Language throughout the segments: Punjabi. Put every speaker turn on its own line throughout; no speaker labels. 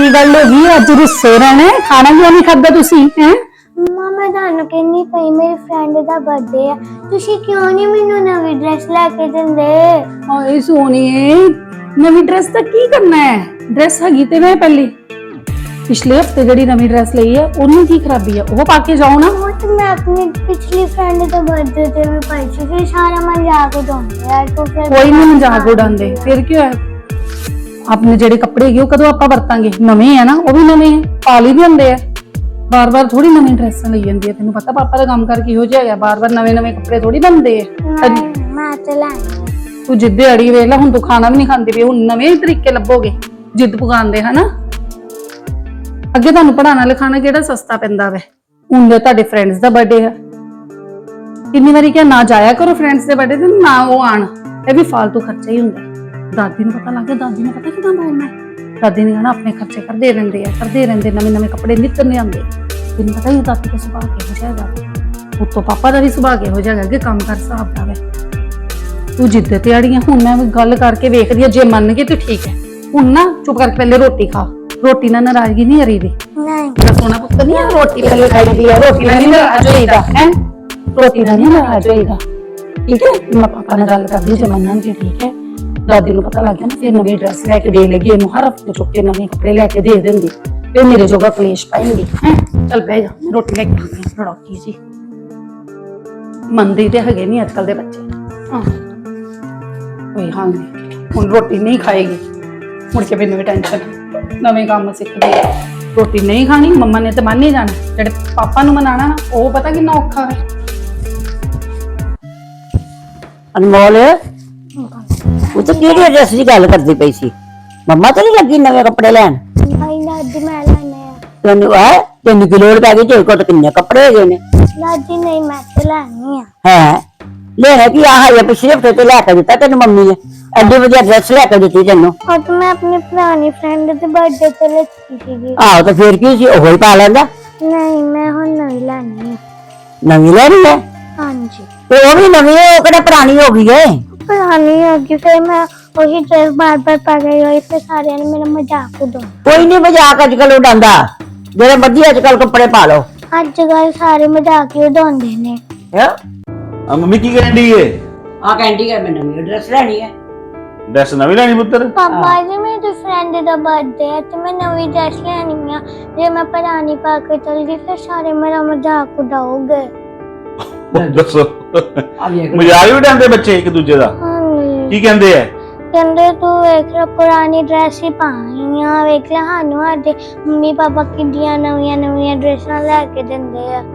ਕੀ ਗੱਲ ਹੋ ਗਈ ਅੱਜ ਰੁੱਸੇ ਰਹਿਣਾ ਖਾਣਾ ਕਿਉਂ ਨਹੀਂ ਖਾਦਾ ਤੁਸੀਂ ਹੈ
ਮੰਮਾ ਮੈਂ ਤੁਹਾਨੂੰ ਕਹਿੰਦੀ ਪਈ ਮੇਰੀ ਫਰੈਂਡ ਦਾ ਬਰਥਡੇ ਆ ਤੁਸੀਂ ਕਿਉਂ ਨਹੀਂ ਮੈਨੂੰ ਨਵੀਂ ਡਰੈਸ ਲੈ ਕੇ ਦਿੰਦੇ।
ਹਾਏ ਸੋਨੀਏ ਨਵੀਂ ਡਰੈਸ ਦਾ ਕੀ ਕਰਨਾ ਹੈ ਡਰੈਸ ਹੈਗੀ ਤੇ ਮੈਂ ਪਹਿਲੇ ਪਿਛਲੇ ਹਫਤੇ ਜਿਹੜੀ ਨਵੀਂ ਡਰੈਸ ਲਈ ਹੈ ਉਹਨੂੰ ਕੀ ਖਰਾਬੀ ਹੈ ਉਹ ਪਾ ਕੇ ਜਾਓ ਨਾ।
ਉਹ ਤਾਂ ਮੈਂ ਆਪਣੀ ਪਿਛਲੀ ਫਰੈਂਡ ਦਾ ਬਰਥਡੇ ਤੇ ਵੀ ਪਾਈ ਸੀ ਫਿਰ ਸਾਰਾ ਮਜ਼ਾਕ ਉਡਾਉਂਦੇ ਯਾਰ ਤੂੰ ਫਿਰ
ਕੋਈ ਨਹੀਂ ਮਜ਼ਾਕ ਉਡਾਉਂਦੇ ਫਿਰ ਕੀ ਹੋਇਆ ਆਪਣੇ ਜਿਹੜੇ ਕੱਪੜੇ ਹੈਗੇ ਉਹ ਕਦੋਂ ਆਪਾਂ ਵਰਤਾਂਗੇ ਨਵੇਂ ਆ ਨਾ ਉਹ ਵੀ ਨਵੇਂ ਆ ਪਾ ਲਈ ਵੀ ਹੁੰਦੇ ਆ ਬਾਰ-ਬਾਰ ਥੋੜੀ ਨਵੀਂ ਡਰੈਸਾਂ ਲਈ ਜਾਂਦੀ ਹੈ ਤੈਨੂੰ ਪਤਾ ਪਾਪਾ ਦਾ ਕੰਮ ਕਰਕੇ ਇਹੋ ਜਿਹਾ ਹੈਗਾ ਬਾਰ-ਬਾਰ ਨਵੇਂ-ਨਵੇਂ ਕੱਪੜੇ ਥੋੜੀ ਬਣਦੇ ਆ।
ਮੈਂ ਤੇ ਲੈਣੀ
ਤੂੰ ਜਿੱਦੇ ਅੜੀ ਵੇਖ ਲੈ ਹੁਣ ਤੂੰ ਖਾਣਾ ਵੀ ਨਹੀਂ ਖਾਂਦੀ ਵੀ ਹੁਣ ਨਵੇਂ ਤਰੀਕੇ ਲੱਭੋਗੇ ਜਿੱਦ ਪਕਾਉਂਦੇ ਹਨਾ। ਅੱਗੇ ਤੁਹਾਨੂੰ ਪੜਾਉਣਾ ਲਿਖਾਣਾ ਕਿਹੜਾ ਸਸਤਾ ਪੈਂਦਾ ਵੇ ਹੁਣ ਦੇ ਤੁਹਾਡੇ ਫਰੈਂਡਸ ਦਾ ਬਰਥਡੇ ਆ ਕਿੰਨੀ ਵਾਰੀ ਕਿਹਾ ਨਾ ਜਾਇਆ ਕਰੋ ਫਰੈਂਡਸ ਦੇ ਬਰਥਡੇ ਤੇ ਨਾ ਉਹ ਆਣ ਇਹ ਵੀ ਫालतू ਖਰਚਾ ਹੀ ਹੁੰਦਾ। ਦਾਦੀ ਨੂੰ ਪਤਾ ਲੱਗ ਗਿਆ ਦਾਦੀ ਨੇ ਪਤਾ ਕਿਦਾਂ ਬੋਲਣਾ ਦਾਦੀ ਨੇ ਕਹਿਣਾ ਆਪਣੇ ਖਰਚੇ ਕਰਦੇ ਰਹਿੰਦੇ ਨਵੇਂ ਕਪੜੇ ਨਿੱਤ ਨਹੀਂ ਆਉਂਦੇ ਤੈਨੂੰ ਪਤਾ ਹੀ ਦਾਦੀ ਦਾ ਸੁਭਾਅ ਕਿਹੋ ਜਿਹਾ ਹੈਗਾ ਉੱਤੋਂ ਪਾਪਾ ਦਾ ਵੀ ਸੁਭਾਅ ਕਿਹੋ ਜਿਹਾ ਹੈਗਾ ਕਿ ਕੰਮ ਕਰ ਹਿਸਾਬ ਦਾ ਵੇ ਤੂੰ ਜਿੱਦ ਤੇ ਅੜੀਆਂ ਹੁਣ ਮੈਂ ਗੱਲ ਕਰਕੇ ਵੇਖਦੀ ਆ ਜੇ ਮੰਨ ਗਈ ਤੇ ਠੀਕ ਹੈ ਹੁਣ ਨਾ ਚੁੱਪ ਕਰਕੇ ਪਹਿਲੇ ਰੋਟੀ ਖਾ ਰੋਟੀ ਨਾਲ ਨਾਰਾਜ਼ਗੀ ਨਹੀਂ ਹਰੀ ਦੀ
ਨਹੀਂ
ਮੇਰਾ ਸੋਹਣਾ ਪੁੱਤ ਨਹੀਂ ਆ ਰੋਟੀ ਪਹਿਲੇ ਖਾਈਦੀ ਆ ਰੋਟੀ ਨਾਲ ਨਹੀਂ ਨਾਰਾਜ਼ ਹੋਈਦਾ ਹੈ ਰੋਟੀ ਨਾਲ ਨਹੀਂ ਨਾਰਾਜ਼ ਹੋਈਦਾ ਠੀਕ ਹੈ ਮੈਂ ਪਾਪਾ ਨਾਲ ਗੱਲ ਕਰਦੀ ਜੇ ਮੰਨਾਂਗੇ ਠੀਕ ਹੈ ਦਾਦੀ ਨੂੰ ਪਤਾ ਲੱਗ ਗਿਆ ਨਾ ਫਿਰ ਨਵੀਂ ਡਰੈਸ ਲੈ ਕੇ ਦੇ ਲੱਗੀ ਇਹਨੂੰ ਹਰ ਹਫਤੇ ਚੁੱਕ ਕੇ ਨਵੇਂ ਕੱਪੜੇ ਲੈ ਕੇ ਦੇ ਦਿੰਦੀ ਫਿਰ ਮੇਰੇ ਜੋਗਾ ਕਲੇਸ਼ ਪਾਏਂਗੀ ਹੈ ਚੱਲ ਬਹਿ ਜਾ ਮੈਂ ਰੋਟੀ ਲੈ ਕੇ ਆਉਂਦੀ ਹਾਂ ਰੜੋਕੀ ਜੀ ਮੰਨਦੇ ਤੇ ਹੈਗੇ ਨਹੀਂ ਅੱਜਕੱਲ ਦੇ ਬੱਚੇ ਕੋਈ ਹਾਲ ਨਹੀਂ ਹੁਣ ਰੋਟੀ ਨਹੀਂ ਖਾਏਗੀ ਮੁੜ ਕੇ ਮੈਨੂੰ ਵੀ ਟੈਨਸ਼ਨ ਨਵੇਂ ਕੰਮ ਸਿੱਖਦੀ ਰੋਟੀ ਨਹੀਂ ਖਾਣੀ ਮੰਮਾ ਨੇ ਤੇ ਮੰਨ ਹੀ ਜਾਣਾ ਜਿਹੜੇ ਪਾਪਾ ਨੂੰ ਮਨਾਣਾ ਨਾ ਉਹ ਪਤਾ ਕਿੰਨਾ ਔਖਾ ਹੈ।
ਅਨਮੋਲ ਉਹ ਤਾਂ ਕਿਹੜੀ ਡਰੈਸ ਦੀ ਗੱਲ ਕਰਦੀ ਪਈ ਸੀ ਮੰਮਾ ਤਾਂ ਨਹੀਂ ਲੱਗੀ ਨਵੇਂ ਕੱਪੜੇ ਲੈਣ
ਨਹੀਂ ਦਾਦੀ ਮੈਂ ਲੈਣੇ ਆ
ਤੈਨੂੰ ਕੀ ਲੋੜ ਪੈ ਗਈ ਤੇਰੇ ਕੋਲ ਤਾਂ ਕਿੰਨੇ ਕੱਪੜੇ ਹੈਗੇ ਨੇ
ਦਾਦੀ ਨਹੀਂ ਮੈਂ ਤੇ ਲੈਣੀ ਆ
ਹੈ ਲੈਣਾ ਕੀ ਆਹ ਹੈ ਪਿਛਲੇ ਹਫਤੇ ਤੇ ਲੈ ਕੇ ਦਿੱਤਾ ਤੈਨੂੰ ਮੰਮੀ ਨੇ ਐਡੀ ਵਧੀਆ ਡਰੈਸ ਲੈ ਕੇ ਦਿੱਤੀ ਤੈਨੂੰ
ਉਹ ਤਾਂ ਮੈਂ ਆਪਣੀ ਪੁਰਾਣੀ ਫਰੈਂਡ ਦੇ ਬਰਥਡੇ ਤੇ ਲਿੱਤੀ ਸੀਗੀ
ਆਹੋ ਤਾਂ ਫੇਰ ਕੀ ਸੀ ਉਹ ਹੀ ਪਾ ਲੈਂਦਾ
ਨਹੀਂ ਮੈਂ ਹੁਣ ਨਵੀਂ ਲੈਣੀ ਆ
ਨਵੀਂ ਲੈਣੀ ਹੈ
ਹਾਂਜੀ
ਤੇ ਉਹ ਵੀ ਨਵੀਂ ਹੈ ਉਹ ਕਿਹੜਾ ਪੁਰਾਣੀ ਹੋ ਗਈ ਹੈ
ਪੁਰਾਣੀ ਹੋ ਗਈ ਫਿਰ ਮੈਂ ਉਹੀ ਡਰੈਸ ਬਾਰ-ਬਾਰ ਪਾ ਗਈ ਹੋਈ ਫਿਰ ਸਾਰਿਆਂ ਨੇ ਮੇਰਾ ਮਜ਼ਾਕ ਉਡਾਉਣਾ
ਕੋਈ ਨਹੀਂ ਮਜ਼ਾਕ ਅੱਜ ਕੱਲ ਉਡਾਉਂਦਾ ਜਿਹੜੇ ਮਰਜ਼ੀ ਅੱਜ ਕੱਲ ਕੱਪੜੇ ਪਾ ਲਓ
ਅੱਜ ਕੱਲ ਸਾਰੇ ਮਜ਼ਾਕ ਹੀ ਉਡਾਉਂਦੇ ਨੇ
ਆ ਮੰਮੀ ਕੀ ਕਰਨ ਦੀ ਏ
ਆ ਕਹਿੰਦੀ ਕਿ ਮੈਂ ਨਵੀਂ ਡਰੈਸ ਲੈਣੀ ਹੈ
ਡਰੈਸ ਨਵੀਂ ਲੈਣੀ ਪੁੱਤਰ
ਪਾਪਾ ਜੀ ਮੇਰੀ ਫਰੈਂਡ ਦਾ ਬਰਥਡੇ ਹੈ ਤੇ ਮੈਂ ਨਵੀਂ ਡਰੈਸ ਲੈਣੀ ਆ ਜੇ ਮੈਂ ਪੁਰਾਣੀ ਪਾ ਕੇ ਚਲ ਗਈ ਫਿਰ ਸਾਰੇ ਮੇਰਾ ਮਜ਼ਾਕ ਉਡਾਉਗੇ
ਦੱਸੋ ਮਜ਼ਾਕ ਵੀ ਉਡਾਉਂਦੇ ਬੱਚੇ ਇੱਕ ਦੂਜੇ ਦਾ
ਹਾਂਜੀ
ਕੀ ਕਹਿੰਦੇ ਆ
ਕਹਿੰਦੇ ਤੂੰ ਵੇਖ ਲੈ ਪੁਰਾਣੀ ਡਰੈਸ ਹੀ ਪਾਈਆਂ ਵੇਖ ਲੈ ਸਾਨੂੰ ਸਾਡੇ ਮੰਮੀ ਪਾਪਾ ਕਿੰਨੀਆਂ ਨਵੀਆਂ ਡਰੈਸਾਂ ਲੈ ਕੇ ਦਿੰਦੇ ਆ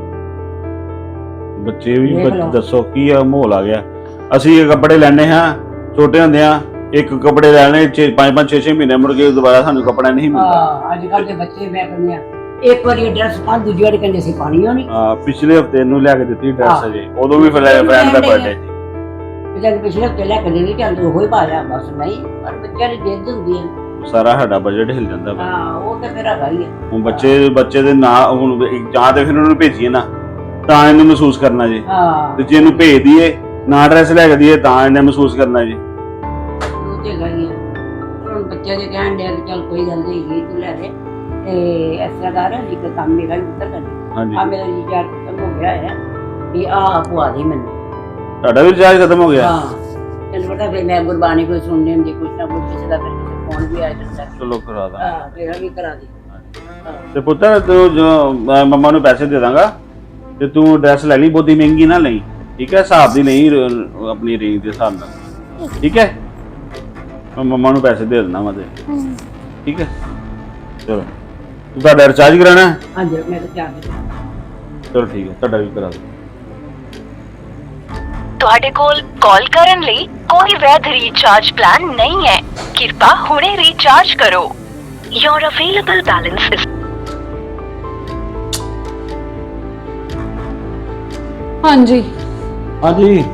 ਬੱਚੇ ਵੀ ਦੱਸੋ ਕੀ ਆ ਮਾਹੌਲ ਆ ਗਿਆ ਅਸੀਂ ਇਹ ਕੱਪੜੇ ਲੈਣੇ ਹਾਂ ਛੋਟੇ ਹੁੰਦੇ ਆ ਇੱਕ ਕੱਪੜੇ ਲੈਣੇ 5-5 6-6 ਮਹੀਨੇ ਮੁੜ ਕੇ ਦੁਬਾਰਾ ਸਾਨੂੰ ਕੱਪੜਾ ਨਹੀਂ ਮਿਲਦਾ
ਅੱਜ ਕੱਲ ਦੇ ਬੱਚੇ ਮੈਂ ਕਹਿੰਦੀ ਆ ਇੱਕ ਵਾਰੀ ਡਰੈਸ ਪਾ ਦੂਜੀ ਵਾਰੀ ਕਹਿੰਦੇ ਸੀ ਪਾਣੀ ਹੋਣੀ
ਪਿਛਲੇ ਹਫਤੇ ਨੂੰ ਲੈ ਕੇ ਦਿੱਤੀ ਡਰੈਸ ਅਜੇ ਉਦੋਂ ਵੀ ਫਰੈਂਡ ਦਾ ਬਰਥਡੇ ਸੀ
ਜਦ ਪਿਛਲੇ ਹਫਤੇ ਲੈ ਕੇ ਦੇ ਦਿੱਤੀ ਚੱਲ ਉਹ ਹੀ ਪਾ ਲਿਆ ਬਸ ਨਹੀਂ ਪਰ ਬੱਚਿਆਂ ਦੀ ਜਿੱਦ ਹੁੰਦੀ ਹੈ
ਸਾਰਾ ਸਾਡਾ ਬਜਟ ਹਿਲ ਜਾਂਦਾ ਵਾ
ਉਹ ਤਾਂ ਫਿਰ ਹੈਗਾ ਹੀ ਹੈ
ਹੁਣ ਬੱਚੇ ਦੇ ਨਾਂ ਹੁਣ ਜਾਂ ਤੇ ਫਿਰ ਉਹਨੂੰ ਭੇਜੀਏ ਨਾ ਤਾਂ ਇਹਨੂੰ ਮਹਿਸੂਸ ਕਰਨਾ ਜੀ ਤੇ ਜੇ ਇਹਨੂੰ ਭੇਜ ਦਈਏ ਨਾ ਡਰੈਸ ਲੈ ਕੇ ਦਈਏ ਤਾਂ ਇਹਨੇ ਮਹਿਸੂਸ ਕਰਨਾ ਜੀ
ਉਹ ਤੇ ਗਈ ਹੈ ਹੁਣ ਬੱਚਿਆਂ ਦੇ ਕਹਿਣ ਦੇ ਚੱਲ ਕੋਈ ਗੱਲ ਨਹੀਂ ਤੂੰ ਲੈ ਦੇ ਤੇ ਇਸ ਤਰ੍ਹਾਂ ਕਰ ਲਿਖ ਕੰਮ ਮੇਰਾ ਵੀ ਉੱਤਰ ਕਰ
ਹਾਂਜੀ
ਆ ਮੇਰਾ ਰਿਚਾਰਜ ਖਤਮ ਹੋ ਗਿਆ ਹੈ ਵੀ ਆ ਪਵਾ ਦੇ ਮੈਨੂੰ
ਤੁਹਾਡਾ ਵੀ ਰਿਚਾਰਜ ਖਤਮ ਹੋ ਗਿਆ
ਤੈਨੂੰ ਪਤਾ ਫਿਰ ਮੈਂ ਗੁਰਬਾਣੀ ਕੋਈ ਸੁਣਨੀ ਹੁੰਦੀ ਕੁਛ ਨਾ ਕੁਛ ਕਿਸੇ ਦਾ ਫਿਰ ਫੋਨ ਵੀ ਆ ਜਾਂਦਾ
ਚਲੋ ਕਰਾ ਦਾਂ
ਤੇਰਾ ਵੀ ਕਰਾ ਦੇ
ਤੇ ਪੁੱਤਰ ਤੂੰ ਜੋ ਮੈਂ ਮੰਮਾ ਨੂੰ ਪੈਸੇ ਦੇ ਦਾਂਗਾ ਤੇ ਤੂੰ ਡਰੈਸ ਲੈ ਲਈ ਬਹੁਤੀ ਮਹਿੰਗੀ ਨਾ ਲਈ ਠੀਕ ਹੈ ਹਿਸਾਬ ਦੀ ਨਹੀਂ ਆਪਣੀ ਰੇਂਜ ਦੇ ਹਿਸਾਬ ਨਾਲ ਠੀਕ ਹੈ ਮੈਂ ਮੰਮਾ ਨੂੰ ਪੈਸੇ ਦੇ ਦਿੰਦਾ ਮੈਂ ਤੇ ਠੀਕ ਹੈ ਚਲੋ ਤੂੰ ਤੁਹਾਡਾ ਰਿਚਾਰਜ ਕਰਾਣਾ
ਹਾਂਜੀ ਮੈਂ ਤਾਂ ਚਾਰਜ
ਚਲੋ ਠੀਕ ਹੈ ਤੁਹਾਡਾ ਵੀ ਕਰਾ ਦੋ
ਤੁਹਾਡੇ ਕੋਲ ਕਾਲ ਕਰਨ ਲਈ ਕੋਈ ਵੈਧ ਰੀਚਾਰਜ ਪਲਾਨ ਨਹੀਂ ਹੈ ਕਿਰਪਾ ਹੁਣੇ ਰੀਚਾਰਜ ਕਰੋ Your available balance is
ਹਾਂਜੀ
ਹਾਂਜੀ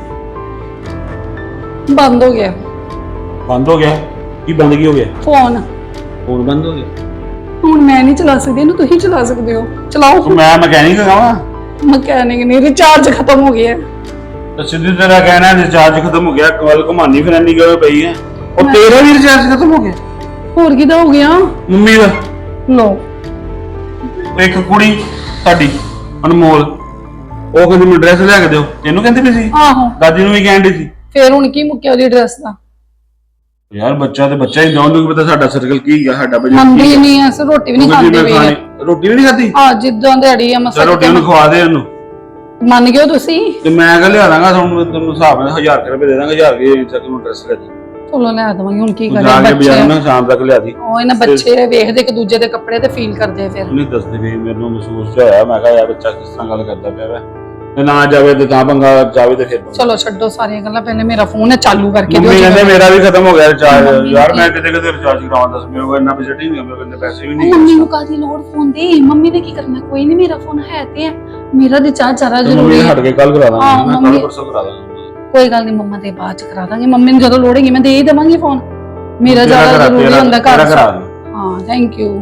ਬੰਦ ਹੋ ਗਿਆ
ਬੰਦ ਹੋ ਗਿਆ ਕੀ ਬੰਦ ਕੀ ਹੋ ਗਿਆ
ਫੋਨ
ਫੋਨ ਬੰਦ ਹੋ ਗਿਆ
ਹੁਣ ਮੈਂ ਨਹੀਂ ਚਲਾ ਸਕਦੀ ਇਹਨੂੰ ਤੁਸੀਂ ਚਲਾ ਸਕਦੇ ਹੋ ਚਲਾਓ
ਮੈਂ ਮਕੈਨਿਕ ਹਾਂ
ਮਕੈਨਿਕ ਨਹੀਂ ਰਿਚਾਰਜ ਖਤਮ ਹੋ ਗਿਆ
ਤਾਂ ਸਿੱਧੀ ਤਰ੍ਹਾਂ ਕਹਿਣਾ ਰਿਚਾਰਜ ਖਤਮ ਹੋ ਗਿਆ ਕੱਲ ਘੁਮਾਨੀ ਫਿਰਨੀ ਗਏ ਪਈ ਹੈ ਉਹ ਤੇਰਾ ਵੀ ਰਿਚਾਰਜ ਖਤਮ ਹੋ ਗਿਆ
ਹੋਰ ਕਿਦਾ ਹੋ ਗਿਆ
ਮੰਮੀ ਦਾ
ਲੋ
ਇੱਕ ਕੁੜੀ ਸਾਡੀ ਅਨਮੋਲ, ਉਹ ਕਹਿੰਦੀ ਮੈਨੂੰ ਡਰੈਸ ਲਿਆ ਕੇ ਦਿਓ, ਤੈਨੂੰ ਕਹਿੰਦੀ ਵੀ ਸੀ,
ਆਹੋ
ਦਾਦੀ ਨੂੰ ਵੀ ਕਹਿੰਦੀ ਸੀ।
ਫੇਰ ਹੁਣ ਕੀ ਮੁੱਕਿਆ ਉਹਦੀ ਡਰੈਸ ਦਾ?
ਯਾਰ ਬੱਚਾ ਤੇ ਬੱਚਾ ਹੀ, ਦੋਨੋਂ ਨੂੰ ਪਤਾ ਸਾਡਾ ਸਰਕਲ ਕੀ ਹੈ, ਸਾਡਾ ਬਜਟ
ਮੰਨਦੀ ਨਹੀਂ ਐ, ਰੋਟੀ ਵੀ ਨਹੀਂ ਖਾਂਦੀ ਪਈ ਹੈ।
ਰੋਟੀ ਵੀ ਨਹੀਂ ਖਾਦੀ?
ਆ ਜਿੱਦਾਂ ਦਿਹਾੜੀ ਆ ਮਸਾ
ਰੋਟੀ ਨੂੰ ਖਵਾ ਦੇ ਉਹਨੂੰ।
ਮੰਨ ਗਿਓ ਤੁਸੀਂ?
ਤੇ ਮੈਂ ਕਹ ਲਿਆ ਦਾਂਗਾ ਤੁਹਾਨੂੰ ਹਿਸਾਬ ਨਾਲ 1000 ਰੁਪਏ ਦੇ ਦਾਂਗਾ, 1000 ਰੁਪਏ ਤੱਕ ਨੂੰ ਡਰੈਸ ਲੈ ਦੀ।
ਚਲੋ ਲੈ ਦਵਾਂਗੀ, ਹੁਣ ਕੀ
ਜਾ
ਕਰਾਂ
ਕੇ ਬਾਜ਼ਾਰ
ਬੱਚੇ
ਨਾ ਸ਼ਾਮ ਤੱਕ ਲਿਆ ਦੀ।
ਉਹ ਇਹਨਾਂ ਬੱਚੇ ਵੇਖਦੇ ਇੱਕ ਦੂਜੇ ਦੇ ਕੱਪੜੇ ਤੇ ਫੀਲ ਕਰਦੇ ਆ ਫਿਰ।
ਨਹੀਂ ਦੱਸਦੇ ਵੀ ਮੈਨੂੰ ਮਹਿਸੂਸ ਜਿਹਾ ਹੋਇਆ, ਮੈਂ ਕਿਹਾ ਯਾਰ ਬੱਚਾ ਕਿਸ ਤਰ੍ਹਾਂ ਗੱਲ ਕਰਦਾ ਪਿਆ ਵਾ, ਤੇ ਨਾ ਜਾਵੇ ਤੇ ਤਾਂ ਪੰਗਾ, ਜਾਵੇ ਤੇ ਫਿਰ
ਚਲੋ ਛੱਡੋ ਸਾਰੀਆਂ ਗੱਲਾਂ, ਪਹਿਲੇ ਮੇਰਾ ਫੋਨ ਹੈ ਚਾਲੂ ਕਰਕੇ ਦਿਓ।
ਮੰਮੀ ਕਹਿੰਦੇ ਮੇਰਾ ਵੀ ਖਤਮ ਹੋ ਗਿਆ ਰਿਚਾਰਜ, ਯਾਰ ਮੈਂ ਕਿਤੇ ਰਿਚਾਰਜ ਕਰਾਵਾਂ, ਦੱਸ ਮੇਰੇ ਕੋਲ ਇੰਨਾ ਬਜਟ ਹੀ ਨਹੀਂ, ਮੇਰੇ ਕੋਲ ਪੈਸੇ ਵੀ ਨਹੀਂ।
ਮੰਮੀ ਨੂੰ ਕਾਹਦੀ ਲੋੜ ਫੋਨ ਦੀ? ਮੰਮੀ ਨੇ ਕੀ ਕਰਨਾ? ਕੋਈ ਨਹੀਂ, ਮੇਰਾ ਫੋਨ ਹੈ ਤੇ ਹੈ, ਮੇਰਾ ਰਿਚਾਰਜ ਜ਼ਿਆਦਾ ਜ਼ਰੂਰੀ ਹੈ।
ਹਟ ਕੇ ਕੱਲ ਕਰਾ
ਹਾਂ,
ਦਾਂਗਾ,
ਮੰਮੀ-
ਕੱਲ ਪਰਸੋਂ ਕਰਾ ਦਾਂਗਾ।
ਕੋਈ ਗੱਲ ਨਹੀਂ, ਮੰਮਾ ਦੇ ਬਾਅਦ ਚ ਕਰਾ ਦਾਂਗੇ, ਮੰਮੀ ਨੂੰ ਜਦੋਂ ਲੋੜ ਹੈਗੀ ਮੈਂ ਦੇ ਹੀ ਦੇਵਾਂਗੀ ਫੋਨ, ਮੇਰਾ ਜ਼ਿਆਦਾ ਜ਼ਰੂਰੀ ਹੁੰਦਾ ਘਰ। ਹਾਂ ਥੈਂਕ ਯੂ।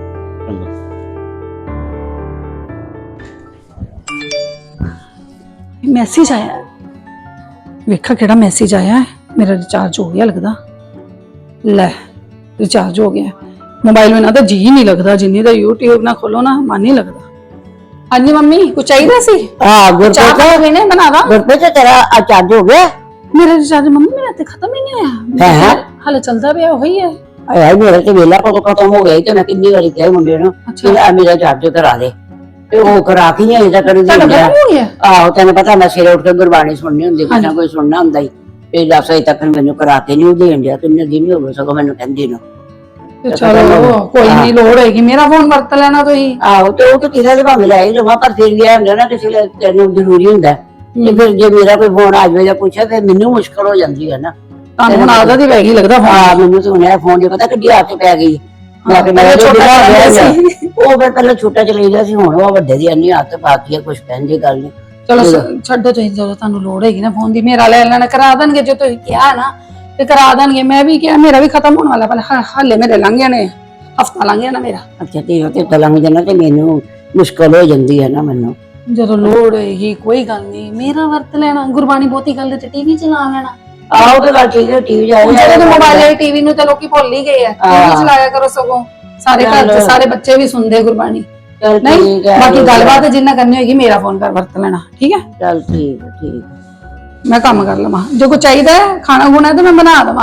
ਮੈਸੇਜ ਆਇਆ ਹੈ। ਵੇਖਾ ਕਿਹੜਾ ਮੈਸੇਜ ਆਇਆ ਹੈ। ਮੇਰਾ ਰਿਚਾਰਜ ਹੋ ਗਿਆ ਲੱਗਦਾ। ਲੈ ਰਿਚਾਰਜ ਹੋ ਗਿਆ। ਮੋਬਾਈਲ में ना तो जी नहीं लगता, जिन्नी तो यूट्यूब ना खोलो ना मन नहीं लगता। हाँ जी मम्मी कुछ चाहिए सी? चाह खाओगे ने बना दा?
गुरप्रीत तेरा चार्ज हो गया?
मेरा रिचार्ज मम्मी मेरा तो खत्म ही नहीं होया, हाले चलता पिया वही है।
यार मेरा तो वेला को खत्म हो गया, तो मैं कितनी बारी कहा मुंडे नु कि मेरा चार्ज करा दे, ते ओ करा के ही अजे कर
ਤੁਹਾਡਾ
दिया।
खत्म हो गया?
ਆਹੋ ਤੈਨੂੰ ਪਤਾ ਮੈਂ ਸਵੇਰੇ ਉੱਠ ਕੇ ਗੁਰਬਾਣੀ ਸੁਣਨੀ ਹੁੰਦੀ, ਕੁਛ ਨਾ ਕੋਈ ਸੁਣਨਾ ਹੁੰਦਾ ਹੀ, ਤੇ 10 ਵਜੇ ਤੱਕ ਮੈਨੂੰ ਕਰਾ ਕੇ ਨਹੀਂ ਦੇਣ ਦਿਆ, ਕਿੰਨੇ ਦਿਨ ਹੋ ਗਏ ਸਗੋਂ ਮੈਨੂੰ ਕਹਿੰਦੀ ਨੂੰ।
चलो कोई नहीं, लोड होगी मेरा फोन वरत लेना तो ही।
ਆਹੋ ਤੇ ਉਹ ਤਾਂ ਕਿਸੇ ਦੇ ਭਾਵੇਂ ਲੈ ਲਵਾਂ, ਪਰ ਫਿਰ ਗਿਆ ਹੁੰਦਾ ਨਾ ਕਿਸੇ ਲਈ ਤੈਨੂੰ ਜ਼ਰੂਰੀ ਹੁੰਦਾ, ਤੇ ਫਿਰ ਜੇ ਮੇਰਾ ਕੋਈ ਫੋਨ ਆ ਜਾਵੇ ਜਾਂ ਪੁੱਛੇ ਫਿਰ ਮੈਨੂੰ ਮੁਸ਼ਕਲ ਹੋ ਜਾਂਦੀ ਹੈ ਨਾ।
ਤੁਹਾਨੂੰ ਹੁਣ ਆਦਤ ਹੀ ਪੈ ਗਈ ਲੱਗਦਾ ਫੋਨ।
ਹਾਂ ਮੈਨੂੰ ਸੁਣਿਆ ਫੋਨ ਦੀ, ਪਤਾ ਕਿੱਡੀ ਆਦਤ ਪੈ ਗਈ। ਮੈਂ ਕਿ ਮੇਰਾ ਛੋਟਾ ਸੀ, ਉਹ ਫਿਰ ਪਹਿਲਾਂ ਛੋਟਾ ਚਲਾਈਦਾ ਸੀ, ਹੁਣ ਉਹ ਵੱਡੇ ਦੀ ਇੰਨੀ ਆਦਤ ਪਾਤੀ ਹੈ, ਕੁਝ ਕਹਿਣ ਦੀ ਗੱਲ ਨਹੀਂ।
ਚਲੋ ਛੱਡੋ ਤੁਸੀਂ, ਜਦੋਂ ਤੁਹਾਨੂੰ ਲੋੜ ਹੈਗੀ ਨਾ ਫੋਨ ਦੀ, ਮੇਰਾ ਲੈ ਲੈਣਾ, ਕਰਾ ਦੇਣਗੇ ਜੇ ਤੁਸੀਂ ਕਿਹਾ ਨਾ ਤੇ ਕਰਾ ਦੇਣਗੇ। ਮੈਂ ਵੀ ਕਿਹਾ ਮੇਰਾ ਵੀ ਖਤਮ ਹੋਣ ਵਾਲਾ, ਪਰ ਹਾਲੇ ਮੇਰੇ ਲੰਘ ਜਾਣੇ, ਹਫਤਾ ਲੰਘ ਜਾਣਾ ਮੇਰਾ।
ਅੱਛਾ ਤੇ ਲੰਘ ਜਾਣਾ ਤੇ ਮੈਨੂੰ ਮੁਸ਼ਕਲ ਹੋ ਜਾਂਦੀ ਹੈ ਨਾ ਮੈਨੂੰ।
ਜਦੋਂ ਲੋੜ ਹੋਏਗੀ ਕੋਈ ਗੱਲ ਨਹੀਂ, ਮੇਰਾ ਵਰਤ ਲੈਣਾ, ਗੁਰਬਾਣੀ ਬਹੁਤੀ ਗੱਲ ਤੇ ਟੀਵੀ ਚਲਾ ਲੈਣਾ।
ਆਹੋ ਤੇ ਗੱਲ ਠੀਕ ਹੈ, ਟੀਵੀ ਜਾ
ਜਿਹੜੇ ਮੋਬਾਈਲ ਵਾਲੀ ਟੀਵੀ ਨੂੰ ਤਾਂ ਲੋਕੀ ਭੁੱਲ ਹੀ ਗਏ ਆ, ਟੀਵੀ ਚਲਾਇਆ ਕਰੋ, ਸਗੋਂ ਸਾਰੇ ਘਰ ਚ ਸਾਰੇ ਬੱਚੇ ਵੀ ਸੁਣਦੇ ਗੁਰਬਾਣੀ। ਨਹੀਂ ਬਾਕੀ ਗੱਲਬਾਤ ਜਿੰਨਾ ਕਰਨੀ ਹੋਏਗੀ ਮੇਰਾ ਫੋਨ ਕਰ ਵਰਤ ਲੈਣਾ, ਠੀਕ ਹੈ?
ਚੱਲ ਠੀਕ ਹੈ, ਠੀਕ
ਮੈਂ ਕੰਮ ਕਰ ਲਵਾਂ, ਜੋ ਕੁਝ ਚਾਹੀਦਾ ਹੈ ਖਾਣਾ ਖੁਣਾ ਤੇ ਮੈਂ ਬਣਾ ਦੇਵਾਂ,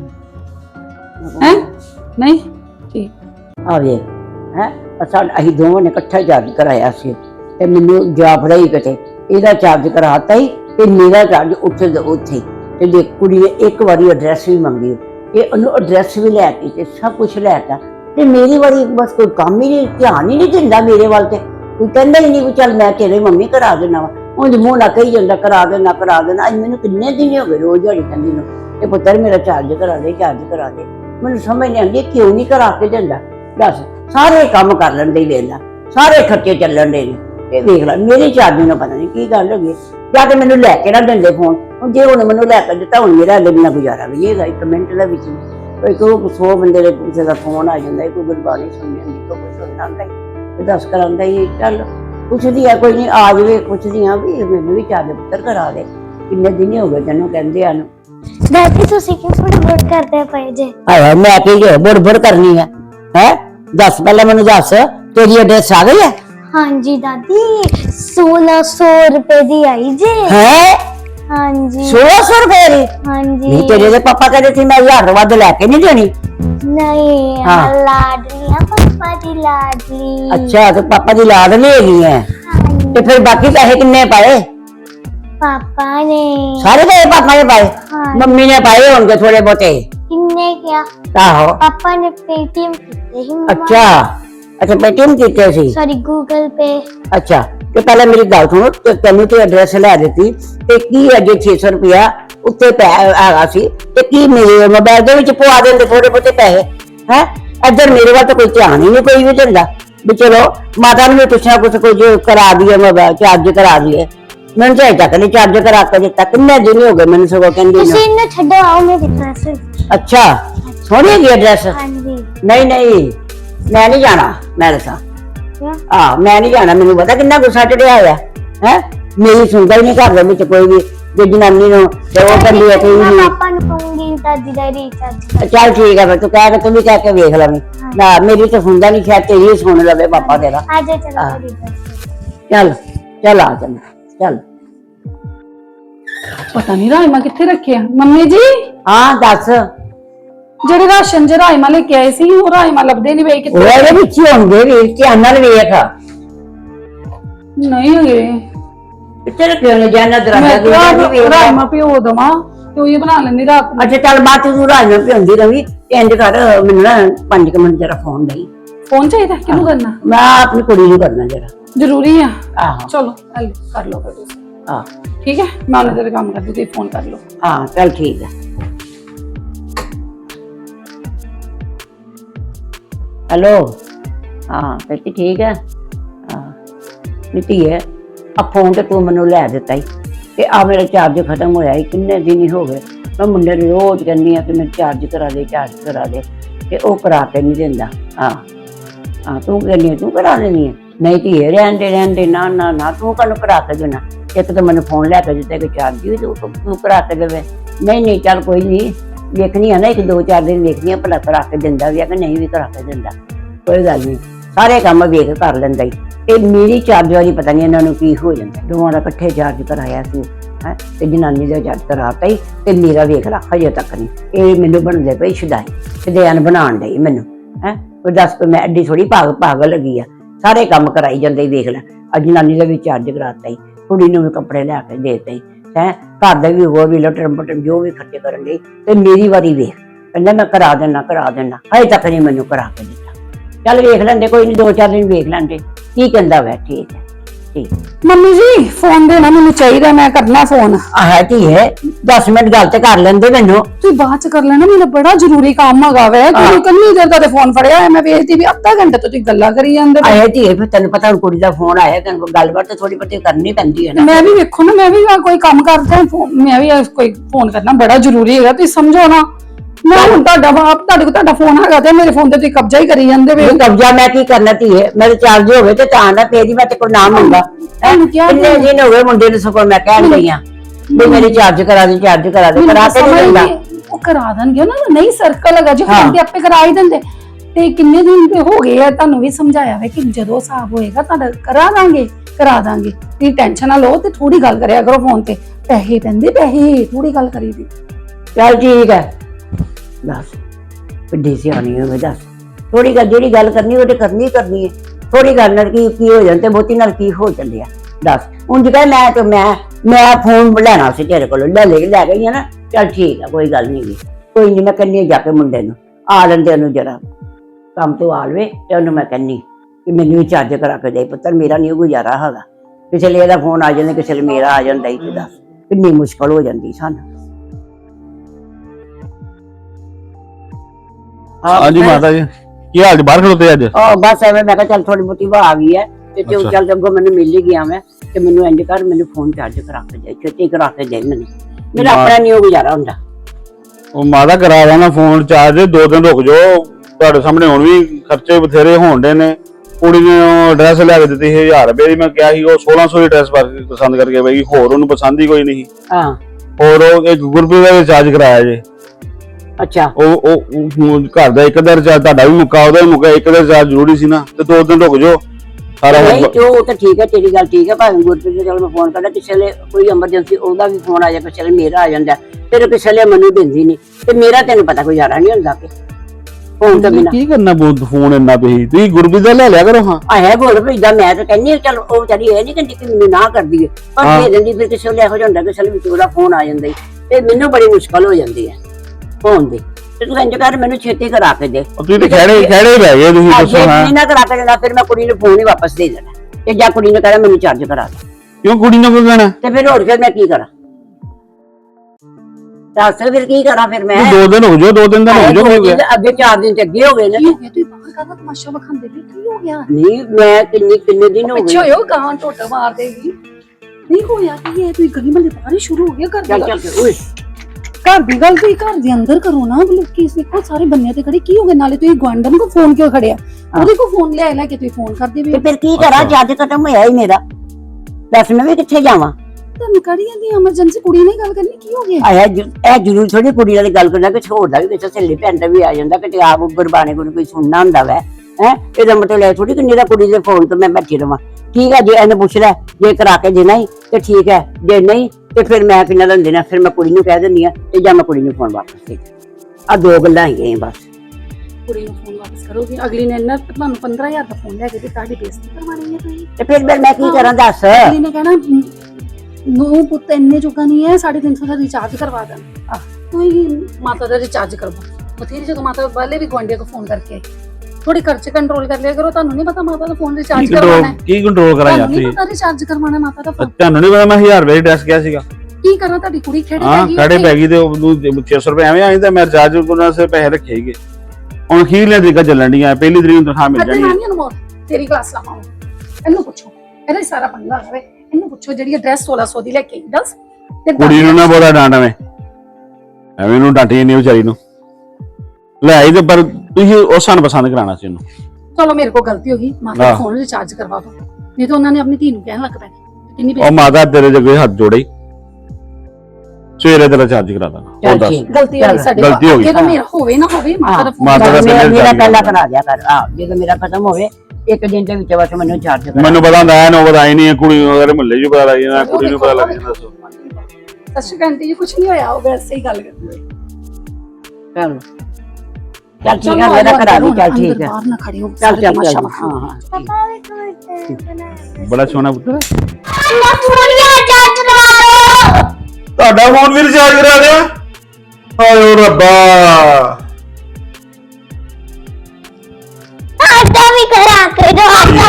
ਹੈ ਨਹੀਂ? ਠੀਕ
ਆ ਵੇ ਹੈ ਅਸੀਂ ਦੋਵਾਂ ਨੇ ਇਕੱਠਾ ਚਾਰਜ ਕਰਾਇਆ ਸੀ, ਤੇ ਮੈਨੂੰ ਜਾਪਦਾ ਹੀ ਕਿਤੇ ਇਹਦਾ ਚਾਰਜ ਕਰਾਤਾ ਹੀ ਤੇ ਮੇਰਾ ਚਾਰਜ ਉੱਥੇ ਦਾ ਉੱਥੇ। ਤੇ ਜੇ ਕੁੜੀ ਨੇ ਇੱਕ ਵਾਰੀ ਐਡਰੈਸ ਵੀ ਮੰਗੀ, ਇਹ ਉਹਨੂੰ ਐਡਰੈਸ ਵੀ ਲੈ ਕੇ ਤੇ ਸਭ ਕੁਝ ਲੈ ਤਾ, ਤੇ ਮੇਰੀ ਵਾਰੀ ਬਸ ਕੋਈ ਕੰਮ ਹੀ ਨਹੀਂ, ਧਿਆਨ ਹੀ ਨਹੀਂ ਦਿੰਦਾ ਮੇਰੇ ਵੱਲ, ਤੇ ਕੋਈ ਕਹਿੰਦਾ ਹੀ ਨਹੀਂ ਵੀ ਚੱਲ ਮੈਂ ਤੇਰੇ ਮੰਮੀ ਕਰਾ ਦੇਣਾ ਵਾ। ਉਂਝ ਮੂੰਹ ਨਾ ਕਹੀ ਜਾਂਦਾ ਕਰਾ ਦੇਣਾ ਕਰਾ ਦੇਣਾ। ਅੱਜ ਮੈਨੂੰ ਕਿੰਨੇ ਦਿਨ ਹੋ ਗਏ ਰੋਜ਼ ਦਿਹਾੜੀ ਕਹਿੰਦੀ ਨੂੰ ਇਹ ਪੁੱਤਰ ਮੇਰਾ ਚਾਰਜ ਕਰਾ ਦੇ, ਚਾਰਜ ਕਰਾ ਦੇ। ਮੈਨੂੰ ਸਮਝ ਨਹੀਂ ਆਉਂਦੀ ਕਿਉਂ ਨਹੀਂ ਕਰਾ ਕੇ ਦਿੰਦਾ। ਦੱਸ ਸਾਰੇ ਕੰਮ ਕਰ ਲੈਂਦੇ ਵੇਲਾ, ਸਾਰੇ ਖਰਚੇ ਚੱਲਣ ਦੇ ਨੇ, ਇਹ ਵੇਖ ਲੈ ਮੇਰੇ ਚਾਰਜ ਨੂੰ ਪਤਾ ਨਹੀਂ ਕੀ ਗੱਲ ਹੋ ਗਈ। ਜਾਂ ਤੇ ਮੈਨੂੰ ਲੈ ਕੇ ਨਾ ਦਿੰਦੇ ਫੋਨ, ਹੁਣ ਜੇ ਹੁਣ ਮੈਨੂੰ ਲੈ ਕੇ ਦਿੱਤਾ, ਹੁਣ ਮੇਰਾ ਹਲੇ ਬਿਨਾਂ ਗੁਜ਼ਾਰਾ ਵੀ ਨਹੀਂ ਹੈਗਾ। ਇੱਕ ਮਿੰਟ ਦੇ ਵਿੱਚ ਕੋਈ 100 ਬੰਦੇ ਦੇ ਕਿਸੇ ਦਾ ਫੋਨ ਆ ਜਾਂਦਾ, ਕੋਈ ਗੁਰਬਾਣੀ ਸੁਣਨੀ ਹੁੰਦੀ, ਕੋਈ ਕੁਛ ਸੁਣਨਾ ਹੁੰਦਾ ਹੀ, ਦੱਸ ਕਰਾਂਦਾ ਹੀ। ਚੱਲ ਪੁੱਛਦੀ ਆ, ਕੋਈ ਨਹੀਂ ਆ ਜਾਵੇ, ਪੁੱਛਦੀ ਆ ਵੀ ਮੈਨੂੰ ਵੀ ਚਾਰਜ ਪੁੱਤਰ ਕਰਾ ਦੇ, ਕਿੰਨੇ ਦਿਨ ਹੋ ਗਏ ਤੈਨੂੰ ਕਹਿੰਦੇ ਆ ਨੂੰ।
ਦਾਦੀ ਤੁਸੀਂ ਕਿਉਂ ਬੁੜ ਕਰਦੇ ਪਏ ਜੇ?
ਆਇਆ ਮੈਂ ਕੀ ਬੁੜ ਕਰਨੀ ਹੈ? ਦੱਸ ਪਹਿਲਾਂ ਮੈਨੂੰ ਦੱਸ, ਤੇਰੀ ਐਡਰੈਸ ਆ ਗਈ ਹੈ?
ਹਾਂਜੀ ਦਾਦੀ 1600 ਰੁਪਏ ਦੀ ਆਈ ਜੇ।
ਹੈ
ਹਾਂਜੀ
1600 ਰੁਪਏ ਦੀ?
ਹਾਂਜੀ
ਨਹੀਂ ਤੇਰੇ ਦੇ ਪਾਪਾ ਕਹਿੰਦੇ ਸੀ ਮੈਂ 1000 ਵੱਧ ਲੈ ਕੇ ਨਹੀਂ ਦੇਣੀ।
ਨਹੀਂ ਲਾਡਲੀ ਆ ਪਾਪਾ ਦੀ ਲਾਡਲੀ।
ਅੱਛਾ ਤੇ ਪਾਪਾ ਦੀ ਲਾਡਲੀ ਹੈਗੀ ਹੈ, ਤੇ ਫਿਰ ਬਾਕੀ ਪੈਸੇ ਕਿੰਨੇ ਪਾਏ?
ਪਾਪਾ ਨੇ
ਸਾਰੇ ਪੈਸੇ ਪਾਪਾ ਨੇ ਪਾਏ? ਮੰਮੀ ਨੇ ਪਾਏ ਹੋਣਗੇ ਥੋੜੇ ਬਹੁਤੇ।
ਕਿੰਨੇ ਕਿਆ?
ਆਹੋ
ਪਾਪਾ ਨੇ ਪੇਟੀਐਮ ਕੀਤੇ ਸੀ।
ਅੱਛਾ ਪੇਟੀਐਮ ਕੀਤੇ ਸੀ?
Sorry Google Pay.
ਅੱਛਾ ਤੇ ਪਹਿਲਾਂ ਮੇਰੀ ਗੱਲ ਸੁਣੋ, ਤੈਨੂੰ ਤੇ ਐਡਰੈਸ ਲੈ ਦਿੱਤੀ, ਤੇ ਕੀ ਅਜੇ 600 ਰੁਪਇਆ ਉੱਤੇ ਹੈਗਾ ਸੀ, ਤੇ ਕੀ ਮੇਰੇ ਮੋਬਾਈਲ ਦੇ ਵਿੱਚ ਪਵਾ ਦਿੰਦੇ ਥੋੜੇ ਬਹੁਤੇ ਪੈਸੇ? ਹੈ ਇੱਧਰ ਮੇਰੇ ਵੱਲ ਤਾਂ ਕੋਈ ਧਿਆਨ ਹੀ ਨਹੀਂ ਕੋਈ ਵੀ ਦਿੰਦਾ ਵੀ ਚਲੋ ਮਾਤਾ ਨੂੰ ਵੀ ਪੁੱਛਣਾ ਕੁਛ ਕੁਝ ਕਰਾ ਦਈਏ, ਮੋਬਾਈਲ ਚਾਰਜ ਕਰਾ ਦਈਏ। ਮੈਨੂੰ ਚਾਹੀ ਤੱਕ ਨਹੀਂ ਚਾਰਜ ਕਰਾ ਕੇ ਦਿੱਤਾ, ਕਿੰਨੇ ਦਿਨ ਹੋ ਗਏ ਮੈਨੂੰ ਸਗੋਂ ਕਹਿੰਦੀ
ਤੁਸੀਂ ਇਹਨੂੰ ਛੱਡੋ, ਆਓ ਮੇਰੇ ਪਾਸ।
ਅੱਛਾ ਸੋਹਣੀ ਹੈਗੀ ਐਡਰੈਸ?
ਹਾਂਜੀ
ਨਹੀਂ ਮੈਂ ਨਹੀਂ ਜਾਣਾ, ਮੈਂ ਦੱਸਾਂ ਮੈਂ ਨਹੀਂ ਜਾਣਾ। ਮੈਨੂੰ ਪਤਾ ਕਿੰਨਾ ਗੁੱਸਾ ਚੜਿਆ ਹੋਇਆ ਹੈ, ਮੇਰੀ ਸੁਣਦਾ ਹੀ ਨਹੀਂ ਘਰ ਦੇ ਵਿੱਚ ਕੋਈ ਵੀ। ਜੇ ਜਨਾਨੀ ਨੂੰ ਤੇ ਉਹ ਕਹਿੰਦੀ ਹੈ
ਮੈਂ ਪਾਪਾ ਨੂੰ ਕਹੂੰਗੀ ਦਾਦੀ ਦਾ ਰੀਚਾਰਜ।
ਚੱਲ ਠੀਕ ਹੈ, ਫਿਰ ਤੂੰ ਕਹਿ ਕੇ ਤੂੰ ਵੀ ਕਹਿ ਕੇ ਵੇਖ ਲਵੀਂ। ਨਾ ਮੇਰੀ ਤਾਂ ਸੁਣਦਾ ਨਹੀਂ, ਸ਼ਾਇਦ ਤੇਰੀ ਹੀ ਸੁਣ ਲਵੇ ਪਾਪਾ ਤੇਰਾ।
ਆ ਜਾ ਚਲੋ
ਹਾਂ।
ਮੇਰੀ ਬਸ।
ਚੱਲ ਚੱਲ ਆ ਚੱਲ ਚੱਲ।
ਪਤਾ ਨਹੀਂ ਰਾਜਮਾ ਕਿੱਥੇ ਰੱਖਿਆ ਮੰਮੀ ਜੀ।
ਹਾਂ ਦੱਸ।
ਜਿਹੜੇ ਰਾਸ਼ਨ ਚ ਰਾਜਮਾ ਲੈ ਕੇ ਆਏ ਸੀ ਉਹ ਰਾਜਮਾ ਲੱਭਦੇ ਨਹੀਂ ਵੇ
ਉਹ
ਕਿੱਥੇ।
ਇਹਦੇ ਵਿੱਚ ਹੀ ਹੋਣਗੇ, ਵੇਖ ਧਿਆਨ ਨਾਲ ਵੇਖ।
ਨਹੀਂ ਹੈਗੇ।
ਕਿੱਥੇ ਰੱਖੇ ਨੇ ਜਾਨਾ ਦਰਾਜ਼ਾ
ਮੈਂ
ਦੀ ਵੇਖ।
ਰਾਜਮਾ ਪਿਓ ਦਵਾਂ ਤੇ ਉਹ ਹੀ ਬਣਾ ਲੈਂਦੀ ਰਾਤ ਨੂੰ।
ਅੱਛਾ ਚੱਲ ਬਾਅਦ ਚ ਤੂੰ ਰਾਜਮਾ ਭਿਉਂਦੀ ਰਵੀ। ਇੰਜ ਕਰ, ਮੈਨੂੰ ਨਾ 5 ਮਿੰਟ ਜਰਾ ਫੋਨ ਦੇਈ।
ਫੋਨ ਚਾਹੀਦਾ ਕਿਹਨੂੰ ਕਰਨਾ?
ਮੈਂ ਆਪਣੀ ਕੁੜੀ ਨੂੰ ਕਰਨਾ ਜਰਾ।
ਜ਼ਰੂਰੀ ਆ।
ਆਹੋ
ਚਲੋ ਹਲ ਕਰ ਲਓ ਫਿਰ ਤੁਸੀਂ।
ਹਾਂ
ਠੀਕ ਹੈ ਮੈਂ ਉਹਨਾਂ ਦੇ ਕੰਮ ਕਰਦੀ, ਤੁਸੀਂ ਫੋਨ ਕਰ ਲਓ।
ਹਾਂ ਚੱਲ ਠੀਕ ਹੈ। हेलो हाँ बेटी ठीक है। हाँ नीति है अब फोन तो तू मैनू लै दिता ही ते आ मेरा चार्ज खत्म होया ही किन्ने दिन ही हो गए। मैं मुंडे नूं रोज कहनी आ कि मैं चार्ज करा दे ते ओह करा के नहीं दिंदा। हाँ हाँ तू कहनी है तू करा देनी है। नहीं धीए रहन दे ना ना ना तू कन्नू करा के देना। एक तो मैंने फोन लैके दिता कि चार्ज भी तू करा के देवे। नहीं चल कोई नहीं देखनी है ना, 1-2-4 दिन देखनी है भला करा के दिंदा भी है कि नहीं भी करा के दिंदा। कोई गल नहीं, सारे काम वेख कर लैंदा ही। ते मेरी चार्ज वाली पता नहीं इन्हां नूं की हो जांदा। दोवां दा इकट्ठे चार्ज कराया सी है ते जनानी दा चार्ज कराता ही ते मेरा वेख ला हजे तक नहीं। ये मैनूं बनदे पई शदैन बनाण दई मैनूं है। कोई दस कोई मैं एडी थोड़ी पागल लगी आ। सारे काम कराई जांदे ही वेख लै। अज जनानी दा भी चार्ज कराता ही, कुड़ी नूं भी कपड़े लैके देते ही है। घर का भी होर भी लटरम पटरम जो भी खर्चे करन दे ते मेरी वारी वेख कहंदा मैं करा देना हजे तक नहीं मैनूं करा के दिता। चल वेख लैंदे कोई नहीं, 2-4 दिन वेख लैंदे की कहंदा वै। ठीक है ठीक।
ਮੰਮੀ ਜੀ ਫੋਨ ਦੇਣਾ ਮੈਨੂੰ ਚਾਹੀਦਾ, ਮੈਂ ਕਰਨਾ ਫੋਨ।
है धी है 10 मिनट गल ते कर लैंदे मैनूं।
ਤੁਸੀਂ ਬਾਅਦ ਚ ਕਰ ਲੈਣਾ, ਮੈਨੂੰ ਬੜਾ ਜ਼ਰੂਰੀ ਕੰਮ ਹੈਗਾ ਵੈ। ਤੁਸੀਂ ਕਿੰਨੀ ਦੇਰ ਦਾ ਫੋਨ ਫੜਿਆ ਹੈ? ਮੈਂ ਵੇਖਦੀ ਵੀ ਅੱਧਾ ਘੰਟਾ ਤੋਂ ਤੁਸੀਂ ਗੱਲਾਂ ਕਰੀ ਜਾਂਦੇ ਪਏ।
आए धी फिर तेन पता हुण कुड़ी दा फोन आया तेन गलबात तो थोड़ी बहुती करनी पैंदी है ना।
ਮੈਂ ਵੀ ਵੇਖੋ ਨਾ, ਮੈਂ ਵੀ ਕੋਈ ਕੰਮ ਕਰਦਾ ਮੈਂ ਵੀ ਕੋਈ ਫੋਨ ਕਰਨਾ ਬੜਾ ਜ਼ਰੂਰੀ ਹੈਗਾ, ਤੁਸੀਂ ਸਮਝੋ ਨਾ। ਮੈਂ ਹੁਣ ਤੁਹਾਡਾ ਬਾਪ ਤੁਹਾਡੇ ਕੋਲ ਤੁਹਾਡਾ ਫੋਨ ਹੈਗਾ ਤੇ ਮੇਰੇ ਫੋਨ ਤੇ ਤੁਸੀਂ ਕਬਜ਼ਾ ਹੀ ਕਰੀ ਜਾਂਦੇ ਵੇ।
कब्जा मैं की करना धी है, मेरे चार्ज हो गए ते तां ना तेरी मैं ते कोई नाम मंगा।
ਤੁਹਾਨੂੰ ਕਿਹਾ
किन्ने दिन हो गए मुंडे नूं सगों मैं कहण लई आ भी मेरी चार्ज करा दे करा के नहीं दिंदा।
ਉਹ ਕਰਾ ਦੇਣਗੇ ਉਹਨਾਂ ਦਾ ਨਹੀਂ ਸਰਕਲ ਹੈਗਾ ਜੀ, ਫੋਨ ਤੇ ਆਪੇ ਕਰਾ ਹੀ ਦਿੰਦੇ। ਤੇ ਕਿੰਨੇ ਦਿਨ ਤੇ ਹੋ ਗਏ ਆ, ਤੁਹਾਨੂੰ ਵੀ ਸਮਝਾਇਆ ਵੇ ਕਿ ਜਦੋਂ ਹਿਸਾਬ ਹੋਏਗਾ ਤੁਹਾਡਾ ਕਰਾ ਦਾਂਗੇ। ਤੁਸੀਂ ਟੈਨਸ਼ਨ ਨਾ ਲਓ ਤੇ ਥੋੜੀ ਗੱਲ ਕਰਿਆ ਕਰੋ ਫੋਨ ਤੇ। ਪੈਸੇ ਪੈਂਦੇ ਪੈਸੇ ਥੋੜੀ ਗੱਲ ਕਰੀ ਦੀ।
चल ठीक है दस ਵੱਡੀ ਸਿਆਣੀ ਹੋਵੇ दस थोड़ी गल ਜਿਹੜੀ ਗੱਲ ਕਰਨੀ ਉਹ ਤੇ ਕਰਨੀ है। थोड़ी गल नाल की हो जाए बहुती नाल की हो ਚੱਲਿਆ दस। ਉਂਝ ਕਹੇ मैं फोन लेना सी तेरे को ले गई है ना। चल ठीक है कोई गल नहीं, कोई नहीं मैं कहनी जाके मुंडे नूं आ लैंदे ओनू जरा काम तो आ लवे ते ओनू मैं कहनी कि मैनू भी चार्ज करा के दे पुत्तर, मेरा नहीं गुजारा हैगा। किसी ले एदा फोन आ जांदा किसी ले मेरा आ जांदा ही। दस कितनी मुश्किल हो जाती सानू।
हाँ जी माता जी की हाल बाहर खड़ोते अज?
बस एवं मैं चल थोड़ी बहुती हवा आ गई है ते चल अगों मैनू मिल ही गया मैं ते मैनू इंज कर मैनू फोन चार्ज करा के दे, छेती करा के दे। मैनू मेरा अपना नहीं गुजारा हुंदा।
ਉਹ ਮਾਤਾ ਕਰਾ ਦੇਣਾ ਫੋਨ ਚਾਰਜ, 2 ਦਿਨ ਰੁਕ ਜਾਓ। ਤੁਹਾਡੇ ਸਾਹਮਣੇ ਹੁਣ ਵੀ ਖਰਚੇ ਬਥੇਰੇ ਹੋਣ ਦੇ ਨੇ। ਕੁੜੀ ਨੇ ਡਰੈਸ ਲੈ ਕੇ ਦਿੱਤੀ 1000 ਰੁਪਏ ਦੀ, ਮੈਂ ਕਿਹਾ ਸੀ ਉਹ 1600 ਦੀ ਡਰੈਸ ਪਸੰਦ ਕਰਕੇ ਬਈ, ਹੋਰ ਉਹਨੂੰ ਪਸੰਦ ਹੀ ਕੋਈ ਨਹੀਂ।
ਹਾਂ
ਹੋਰ ਉਹ ਇੱਕ ਗੁਰਪ੍ਰੀਤ ਦਾ ਚਾਰਜ ਕਰਾਇਆ ਜੇ।
अच्छा
ਉਹ ਘਰ ਦਾ ਇੱਕ ਦਰ ਚਾਰਜ ਤੁਹਾਡਾ ਵੀ ਮੁੱਕਾ, ਉਹਦਾ ਵੀ ਮੁੱਕਾ, ਇੱਕ ਦਰ ਚਾਰਜ ਜ਼ਰੂਰੀ ਸੀ ਨਾ। ਤੇ 2 ਦਿਨ ਰੁਕ ਜਾਓ ਸਾਰਾ
नहीं तो वो तो ठीक है, तेरी गल ठीक है। भावें गुरप्रीत चल मैं फोन करना किसी ले कोई एमरजेंसी ओदा भी फोन आ जाए, किसी ले मेरा आ जाता फिर किसी ले मैनू दिंदी नहीं ते मेरा तेन पता गुजारा नहीं हुंदा कि फोन तो बिना
ਕੀ ਕਰਨਾ ਫੋਨ ਇੰਨਾ ਤੁਸੀਂ ਗੁਰਪ੍ਰੀਤ ਦਾ ਲੈ ਲਿਆ ਕਰੋ। ਹਾਂ
है गुरप्रीत दा मैं तो कहनी चल वो बेचारी ये नहीं कहती कि मैनू ना कर दी पर दे दिंदी। फिर किसी ले हो जाता किसी ले ओदा फोन आ जाता ते मैनू बड़ी मुश्किल हो जाती है फोन दी। ਤੇ ਤੂੰ ਇੰਜ ਕਰ ਮੈਨੂੰ ਛੇਤੀ ਕਰਾ ਕੇ ਦੇ।
ਤੁਸੀਂ ਤੇ ਖੜੇ ਬਹਿ ਗਏ ਤੁਸੀਂ ਦੱਸੋ। ਹਾਂ
ਨਹੀਂ ਨਾ ਕਰਾ ਕੇ ਦੇਣਾ ਫਿਰ ਮੈਂ ਕੁੜੀ ਨੂੰ ਫੋਨ ਹੀ ਵਾਪਸ ਦੇ ਦੇਣਾ ਤੇ ਜਾਂ ਕੁੜੀ ਨੇ ਕਹਿਣਾ ਮੈਨੂੰ ਚਾਰਜ ਕਰਾ ਦੇ।
ਕਿਉਂ ਕੁੜੀ ਨੂੰ ਕਿਉਂ ਕਹਿਣਾ?
ਤੇ ਫਿਰ ਹੋਰ ਫਿਰ ਮੈਂ ਕੀ ਕਰਾਂ ਦੱਸ ਫਿਰ ਕੀ ਕਰਾਂ ਫਿਰ ਮੈਂ।
2 ਦਿਨ ਹੋ ਜਾਓ, 2 ਦਿਨ ਦਾ ਹੋ ਜਾਓ।
ਅੱਗੇ 4 ਦਿਨ ਤੇ ਅੱਗੇ ਹੋ ਗਏ ਨੇ।
ਕੀ ਹੋ ਗਿਆ? ਤੁਸੀਂ ਬਾਹਰ ਕਾਹਦਾ ਤਮਾਸ਼ਾ ਵਿਖਾਉਂਦੇ ਵੀ? ਕੀ ਹੋ ਗਿਆ?
ਨਹੀਂ ਮੈਂ ਕਿੰਨੇ ਦਿਨ ਹੋ
ਪਿੱਛੇ
ਗਏ।
ਹੋਇਓ ਗਾਂ ਟੋਟ ਮਾਰ ਦੇਗੀ। ਨਹੀਂ ਹੋਇਆ ਕੀ ਹੈ? ਤੁਸੀਂ ਗਲੀ ਮਹੱਲੇ ਬਾਹਰ ਹੀ ਸ਼ੁਰੂ ਹੋ ਗਿਆ ਕਰ
ਚੱਲ ਚੱਲ ਓਏ
ਘਰ ਦੀ ਗੱਲ ਤੁਸੀਂ ਘਰ ਦੇ ਅੰਦਰ ਕਰੋ ਨਾ। ਲੋਕੀ ਦੇਖੋ ਸਾਰੇ ਬੰਨਿਆਂ ਤੇ ਖੜੇ ਕੀ ਹੋ ਗਿਆ? ਨਾਲੇ ਤੁਸੀਂ ਗਵਾਂਢਣ ਕੋ ਫੋਨ ਕਿਉਂ ਖੜਿਆ? ਉਹਦੇ ਕੋ ਫੋਨ ਲੈ ਕੇ ਤੁਸੀਂ ਫੋਨ ਕਰਦੇ ਵੀ
ਤੇ ਫਿਰ ਕੀ ਕਰਾਂ? ਚਾਰਜ ਖਤਮ ਹੋਇਆ ਹੀ ਮੇਰਾ। ਦੱਸ ਮੈਂ ਵੀ ਕਿੱਥੇ ਜਾਵਾਂ?
ਤੁਹਾਨੂੰ ਕੜੀਆਂ ਦੀ ਐਮਰਜੈਂਸੀ ਕੁੜੀ ਨੇ ਗੱਲ ਕਰਨੀ ਕੀ ਹੋ ਗਿਆ?
ਇਹ ਜ਼ਰੂਰ ਥੋੜੀ ਕੁੜੀ ਵਾਲੀ ਗੱਲ ਕਰਨਾ, ਕੁਛ ਹੋਰ ਦਾ ਵੀ ਵਿੱਚ ਸਹੇਲੀ ਭੈਣ ਦਾ ਵੀ ਆ ਜਾਂਦਾ, ਕਿਤੇ ਆਪ ਗੁਰਬਾਣੇ ਕੋਲ ਕੋਈ ਸੁਣਨਾ ਹੁੰਦਾ ਵੈ ਹੈ। ਇਹਦਾ ਮਤਲਬ ਇਹ ਥੋੜੀ ਕਿ ਮੇਰਾ ਕੁੜੀ ਦੇ ਫੋਨ ਤੋਂ ਮੈਂ ਬੈਠੀ ਰਵਾਂ। ਠੀਕ ਹੈ, ਜੇ ਇਹਨੇ ਪੁੱਛ ਲੈ, ਜੇ ਕਰਾ ਕੇ ਦੇਣਾ ਹੀ ਤੇ ਠੀਕ ਹੈ, ਜੇ ਨਹੀਂ ਤੇ ਫਿਰ ਮੈਂ ਕਿੰਨਾ ਦਿਨ ਦੇਣਾ, ਫਿਰ ਮੈਂ ਕੁੜੀ ਨੂੰ ਕਹਿ ਦਿੰਦੀ ਆ ਤੇ ਜਾਂ ਮੈਂ ਕੁੜੀ ਨੂੰ ਫੋਨ ਵਾਪਸ ਦੇ। ਆ ਦੋ ਗੱਲਾਂ ਹੈਗੀਆਂ ਬਸ।
ਕੁੜੀ ਨੂੰ ਫੋਨ ਵਾਪਸ ਕਰੋਗੇ? ਅਗਲੀ ਨੇ ਇਹਨਾਂ ਤੁਹਾਨੂੰ 15,000 ਦਾ ਫੋਨ ਲੈ ਕੇ ਤੇ ਤੁਹਾਡੀ ਬੇਇੱਜ਼ਤੀ ਕਰਵਾਣੀ ਹੈ ਤੁਸੀਂ।
ਤੇ ਫਿਰ ਮੈਂ ਕੀ ਕਰਾਂ ਦੱਸ?
ਅਗਲੀ ਨੇ ਕਹਿਣਾ ਨੂੰ ਪੁੱਤ ਇੰਨੇ ਚੁੱਕਾ ਨਹੀਂ ਹੈ, 350 ਦਾ ਰਿਚਾਰਜ ਕਰਵਾ ਦੇਣ। ਤੁਸੀਂ ਮਾਤਾ ਦਾ ਰਿਚਾਰਜ ਕਰਵਾ ਬਥੇਰੀ ਜਗ੍ਹਾ ਮਾਤਾ ਵਾਲੇ ਵੀ ਗੁਆਂਢੀਆਂ को फोन करके थोड़ी खर्चे कंट्रोल कर लिया करो। ਤੁਹਾਨੂੰ ਨਹੀਂ ਪਤਾ ਮਾਤਾ ਦਾ ਫੋਨ ਰਿਚਾਰਜ ਕਰਵਾਉਣਾ ਹੈ?
ਕੀ ਕੰਟਰੋਲ ਕਰਾਂ ਯਾਰ?
ਨਹੀਂ ਪਤਾ ਰਿਚਾਰਜ ਕਰਵਾਉਣਾ ਮਾਤਾ ਦਾ ਫੋਨ?
ਤੁਹਾਨੂੰ ਨਹੀਂ ਪਤਾ ਮੈਂ 1000 ਰੁਪਏ ਡਰੈਸ ਕਿਹਾ ਸੀਗਾ?
ਕੀ ਕਰਾਂ? ਤੁਹਾਡੀ ਕੁੜੀ ਖੇੜੇ ਪੈ
ਹਾਂ
ਗਈ
ਖੜੇ ਪੈ ਗਈ ਤੇ ਉਹਨੂੰ 600 ਰੁਪਏ ਐਵੇਂ ਆਈ ਤਾਂ ਮੈਂ ਰਿਚਾਰਜ ਉਹਨਾਂ ਸੇ ਪੈਸੇ ਰੱਖੇ ਹੀਗੇ। ਹੁਣ ਅਖੀਰਲੇ ਤਰੀਕਾ ਚੱਲਣ ਦੀਆਂ, ਪਹਿਲੀ ਤਰੀਕ ਨੂੰ ਤਨਖਾਹ ਮਿਲ ਜਾਣੀ ਹੈ।
ਨਾਨੀ ਨੂੰ ਤੇਰੀ ਕਲਾਸ ਲਾਵਾਂ, ਇਹਨੂੰ ਪੁੱਛੋ, ਇਹਦਾ ਸਾਰਾ ਪੰਗਾ ਹੈ। ਇਹਨੂੰ ਪੁੱਛੋ ਜਿਹੜੀ ਐਡਰੈਸ 1600 ਦੀ ਲੈ ਕੇ ਆਈ ਦੱਸ।
ਕੁੜੀ ਨੂੰ ਨਾ ਬੋਲਾ ਡਾਂਟ ਐਵੇਂ ਨੂੰ ਡਾਂਟੀ ਨਹੀਂ ਵਿਚਾਰੀ ਨੂੰ ਲੈ ਆਈ ਤੇ, ਪਰ ਤੁਸੀਂ ਉਸ ਸਾਨੂੰ ਪਸੰਦ ਕਰਾਣਾ ਸੀ ਉਹਨੂੰ।
ਚਲੋ ਮੇਰੇ ਕੋਲ ਗਲਤੀ ਹੋ ਗਈ, ਮਾਤਾ ਦਾ ਫੋਨ ਰਿਚਾਰਜ ਕਰਵਾ ਦੋ, ਨਹੀਂ ਤਾਂ ਉਹਨਾਂ ਨੇ ਆਪਣੀ ਧੀ ਨੂੰ ਕਹਿਣ ਲੱਗ ਪੈਣਾ ਕਿੰਨੀ
ਉਹ ਮਾਤਾ ਤੇਰੇ ਜਗੇ ਹੱਥ ਜੋੜੇ ਸਵੇਰੇ ਤੇਰਾ ਚਾਰਜ ਕਰਾ ਦਾਂਗਾ।
ਚੱਲ
ਦੱਸ
ਠੀਕ।
ਗਲਤੀ ਹੋਈ ਸਾਡੇ
ਗਲਤੀ ਹੋ ਗਈ।
ਅੱਗੇ ਤੋਂ ਮੇਰਾ ਹੋਵੇ ਨਾ ਹੋਵੇ ਮਾਤਾ ਦਾ ਫੋਨ
ਮਾਤਾ ਦਾ
ਮੇਰਾ ਪਹਿਲਾਂ ਕਰਾ ਦਿਆ ਕਰ। ਜਦੋਂ ਮੇਰਾ ਖਤਮ ਹੋਵੇ ਇੱਕ ਦਿਨ ਦੇ ਵਿੱਚ ਬਸ ਮੈਨੂੰ ਚਾਰਜ ਕਰ।
ਮੈਨੂੰ ਪਤਾ ਹੁੰਦਾ ਹੈ ਨੋ ਪਤਾ ਹੀ ਨਹੀਂ ਹੈ, ਕੁੜੀ ਨੂੰ ਅਗਰ ਮੁਹੱਲੇ 'ਚ ਪਤਾ ਲੱਗ ਜਾਂਦਾ, ਕੁੜੀ ਨੂੰ ਪਤਾ ਲੱਗ ਜਾਂਦਾ।
ਸਤਿ ਸ਼੍ਰੀ ਅਕਾਲ ਆਂਟੀ ਜੀ, ਕੁਝ ਨਹੀਂ ਹੋਇਆ, ਉਹ ਵੈਸੇ ਹੀ ਗੱਲ ਕਰਦੇ।
ਚੱਲ ਠੀਕ ਹੈ, ਮੇਰਾ ਕਰਾ ਦੀ। ਚੱਲ ਠੀਕ ਹੈ,
ਬਾਹਰ ਨਾ ਖੜੇ ਹੋ,
ਚੱਲ ਚੱਲ
ਤਮਾਸ਼ਾ
ਹਾਂ
ਵਿਖਾਓ।
ਹਾਂ।
ਪਾਪਾ ਵੀ ਕੋਈ
ਬੜਾ ਸੋਹਣਾ ਪੁੱਤਰ
ਅੰਮਾ ਫੋਨ ਵੀ ਚਾਰਜ ਲਵਾ ਲਓ।
ਤੁਹਾਡਾ ਫੋਨ ਵੀ ਰਿਚਾਰਜ ਕਰਾ ਦਿਆ? ਹਾਏ ਓ ਰੱਬਾ,
ਆਟਾ ਵੀ ਕਰਾ ਕੇ ਦੋ, ਆਟਾ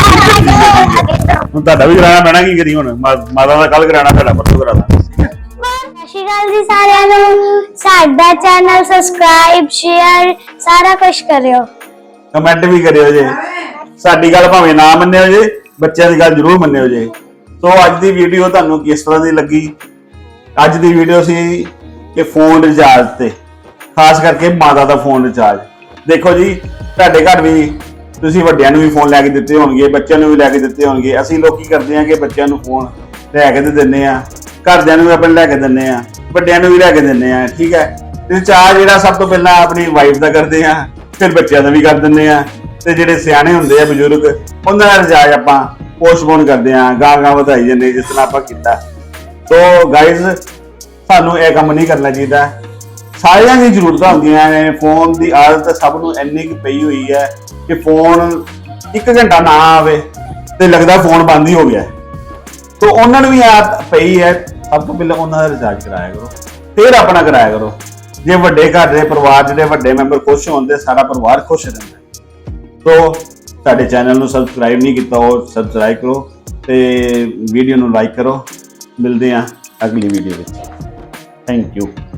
ਹੁਣ ਤੁਹਾਡਾ ਵੀ ਕਰਾਣਾ ਪੈਣਾ। ਕੀ ਕਰੀ ਹੁਣ? ਮਾਤਾ ਦਾ ਕੱਲ ਕਰਾਣਾ, ਤੁਹਾਡਾ ਪਰਸੋਂ ਕਰਾਣਾ।
ਸਤਿ ਸ਼੍ਰੀ ਅਕਾਲ ਜੀ ਸਾਰਿਆਂ ਨੂੰ। ਸਾਡਾ ਚੈਨਲ ਸਬਸਕ੍ਰਾਈਬ, ਸ਼ੇਅਰ ਸਾਰਾ ਕੁਝ ਕਰਿਓ।
ਕਮੈਂਟ ਵੀ ਕਰਿਓ ਜੇ। ਸਾਡੀ ਗੱਲ ਭਾਵੇਂ ਨਾ ਮੰਨਿਓ ਜੇ, ਬੱਚਿਆਂ ਦੀ ਗੱਲ ਜ਼ਰੂਰ ਮੰਨਿਓ ਜੇ। ਸੋ ਅੱਜ ਦੀ ਵੀਡੀਓ ਤੁਹਾਨੂੰ ਕਿਸ ਤਰ੍ਹਾਂ ਦੀ ਲੱਗੀ? ਅੱਜ ਦੀ ਵੀਡੀਓ ਸੀ ਕਿ ਫੋਨ ਰਿਚਾਰਜ ਤੇ, ਖਾਸ ਕਰਕੇ ਮਾਤਾ ਦਾ ਫੋਨ ਰਿਚਾਰਜ। ਦੇਖੋ ਜੀ, ਤੁਹਾਡੇ ਘਰ ਵੀ ਤੁਸੀਂ ਵੱਡਿਆਂ ਨੂੰ ਵੀ ਫੋਨ ਲੈ ਕੇ ਦਿੱਤੇ ਹੋਣਗੇ, ਬੱਚਿਆਂ ਨੂੰ ਵੀ ਲੈ ਕੇ ਦਿੱਤੇ ਹੋਣਗੇ। ਅਸੀਂ ਲੋਕ ਕੀ ਕਰਦੇ ਆ ਕਿ ਬੱਚਿਆਂ ਨੂੰ ਫੋਨ ਲੈ ਕੇ ਤੇ ਦਿੰਦੇ ਆ, ਘਰਦਿਆਂ ਨੂੰ ਵੀ ਆਪਣੇ ਲੈ ਕੇ ਦਿੰਦੇ ਆ, ਵੱਡਿਆਂ ਨੂੰ ਵੀ ਲੈ ਕੇ ਦਿੰਦੇ ਆ। ਠੀਕ ਹੈ, ਰਿਚਾਰਜ ਜਿਹੜਾ ਸਭ ਤੋਂ ਪਹਿਲਾਂ ਆਪਣੀ ਵਾਈਫ ਦਾ ਕਰਦੇ ਆ, ਫਿਰ ਬੱਚਿਆਂ ਦਾ ਵੀ ਕਰ ਦਿੰਦੇ ਆ, ਤੇ ਜਿਹੜੇ ਸਿਆਣੇ ਹੁੰਦੇ ਆ ਬਜ਼ੁਰਗ, ਉਹਨਾਂ ਦਾ ਰਿਚਾਰਜ ਆਪਾਂ ਪੋਸਟਪੋਨ ਕਰਦੇ ਆ, ਗਾਂ ਵਧਾਈ ਜਾਂਦੇ, ਜਿਸ ਤਰ੍ਹਾਂ ਆਪਾਂ ਕੀਤਾ। ਸੋ ਗਾਇਜ਼, ਸਾਨੂੰ ਇਹ ਕੰਮ ਨਹੀਂ ਕਰਨਾ ਚਾਹੀਦਾ। ਸਾਰਿਆਂ ਦੀ ਜ਼ਰੂਰਤਾਂ ਹੁੰਦੀਆਂ ਨੇ। ਫੋਨ ਦੀ ਆਦਤ ਸਭ ਨੂੰ ਇੰਨੀ ਕੁ ਪਈ ਹੋਈ ਹੈ ਕਿ ਫੋਨ 1 ਘੰਟਾ ਨਾ ਆਵੇ ਤੇ ਲੱਗਦਾ ਫੋਨ ਬੰਦ ਹੀ ਹੋ ਗਿਆ। ਸੋ ਉਹਨਾਂ ਨੂੰ ਵੀ ਆਦਤ ਪਈ ਹੈ, ਸਭ ਤੋਂ ਪਹਿਲਾਂ ਉਹਨਾਂ ਦਾ ਰਿਚਾਰਜ ਕਰਾਇਆ ਕਰੋ, ਫਿਰ ਆਪਣਾ ਕਰਾਇਆ ਕਰੋ। ਜੇ ਵੱਡੇ ਘਰ ਦੇ ਪਰਿਵਾਰ, ਜਿਹੜੇ ਵੱਡੇ ਮੈਂਬਰ ਖੁਸ਼ ਹੁੰਦੇ, ਸਾਰਾ ਪਰਿਵਾਰ ਖੁਸ਼ ਰਹਿੰਦਾ। ਸੋ ਸਾਡੇ ਚੈਨਲ ਨੂੰ ਸਬਸਕ੍ਰਾਈਬ ਨਹੀਂ ਕੀਤਾ, ਉਹ ਸਬਸਕ੍ਰਾਈਬ ਕਰੋ ਤੇ ਵੀਡੀਓ ਨੂੰ ਲਾਈਕ ਕਰੋ। ਮਿਲਦੇ ਹਾਂ ਅਗਲੀ ਵੀਡੀਓ ਵਿੱਚ। Thank you.